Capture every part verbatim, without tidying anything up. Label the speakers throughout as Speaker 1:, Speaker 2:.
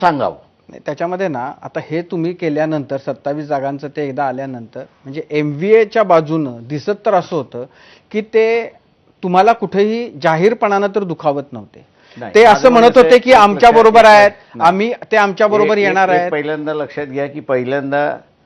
Speaker 1: सांगावं.
Speaker 2: नाही, त्याच्यामध्ये ना आता हे तुम्ही केल्यानंतर सत्तावीस जागांचं ते एकदा आल्यानंतर म्हणजे एम व्ही एच्या बाजूनं दिसत तर असं होतं की ते तुम्हाला कुठेही जाहीरपणानं तर दुखावत नव्हते.
Speaker 1: नाही,
Speaker 2: ते
Speaker 1: माझं
Speaker 2: असं म्हणत
Speaker 1: म्हणणं
Speaker 2: होते की
Speaker 1: एक
Speaker 2: आमच्या
Speaker 1: लक्षात
Speaker 2: बरोबर
Speaker 1: घ्या.
Speaker 2: आहेत,
Speaker 1: नाही.
Speaker 2: आम्ही ते आमच्या बरोबर
Speaker 1: एक-
Speaker 2: येणार
Speaker 1: एक- एक
Speaker 2: आहेत.
Speaker 1: पहिल्यांदा लक्षात घ्या की पहिल्यांदा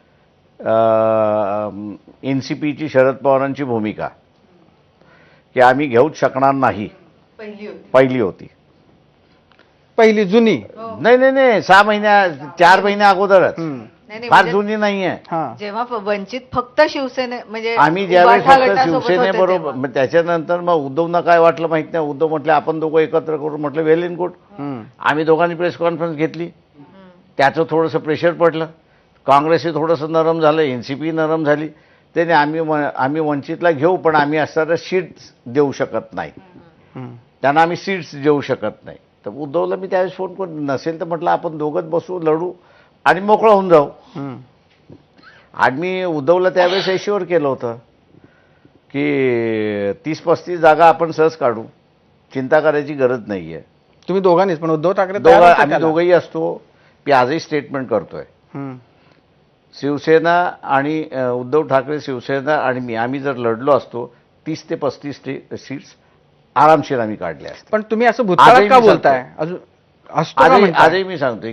Speaker 1: एनसीपीची शरद पवारांची भूमिका की आम्ही घेऊच शकणार नाही
Speaker 3: पहिली होती.
Speaker 1: पहिली होती.
Speaker 2: पहिली जुनी.
Speaker 1: नाही नाही नाही सहा महिन्या चार महिन्या अगोदरच,
Speaker 2: हम्म.
Speaker 3: नाही, नाही,
Speaker 1: फार
Speaker 3: म्हणजे
Speaker 1: जुनी नाहीये.
Speaker 2: हा
Speaker 3: जेव्हा फ- वंचित फक्त शिवसेने म्हणजे
Speaker 1: आम्ही ज्यावेळेस
Speaker 3: उभाठा
Speaker 1: फक्त
Speaker 3: गटासोबत होते
Speaker 1: शिवसेनेबरोबर,
Speaker 3: तेव्हा.
Speaker 1: मग त्याच्यानंतर मग उद्धवना काय वाटलं माहित नाही. उद्धव म्हटले आपण दोघं एकत्र करू. म्हटलं वेल इन गुड.
Speaker 2: हम्म.
Speaker 1: आम्ही दोघांनी प्रेस कॉन्फरन्स घेतली.
Speaker 3: हम्म.
Speaker 1: त्याचं थोडंसं प्रेशर पडलं. काँग्रेसही थोडंसं नरम झालं, एन सी पी नरम झाली. त्याने आम्ही व- आम्ही वंचितला घेऊ पण आम्ही असणाऱ्या सीट्स देऊ शकत नाही.
Speaker 2: हम्म.
Speaker 1: त्यांना आम्ही सीट्स देऊ शकत नाही. तर उद्धवला मी त्यावेळेस फोन करून नसेल तर म्हटलं आपण दोघंच बसू, लढू आणि मोकळं होऊन जाऊ.
Speaker 2: हम्म.
Speaker 1: आणि मी उद्धवला त्यावेळेस एश्युअर केलं होतं की तीस पस्तीस जागा आपण सहज काढू, चिंता करायची गरज नाही आहे.
Speaker 2: तुम्ही दोघांनीच, पण उद्धव ठाकरे तयार
Speaker 1: दोघं
Speaker 2: होते
Speaker 1: आम्ही
Speaker 2: त्याला.
Speaker 1: दोघंही असतो. मी आजही स्टेटमेंट करतोय.
Speaker 2: हम्म.
Speaker 1: शिवसेना आणि अ, उद्धव ठाकरे, शिवसेना आणि मी आम्ही जर लढलो असतो तीस ते पस्तीस सीट्स आरामशीर आम्ही काढल्या असत्या.
Speaker 2: पण तुम्ही असं भूतकाळात
Speaker 1: आजही
Speaker 2: का
Speaker 1: मी
Speaker 2: बोलताय? अजून असतो का
Speaker 1: आजही
Speaker 2: म्हणताय?
Speaker 1: आजही मी सांगतोय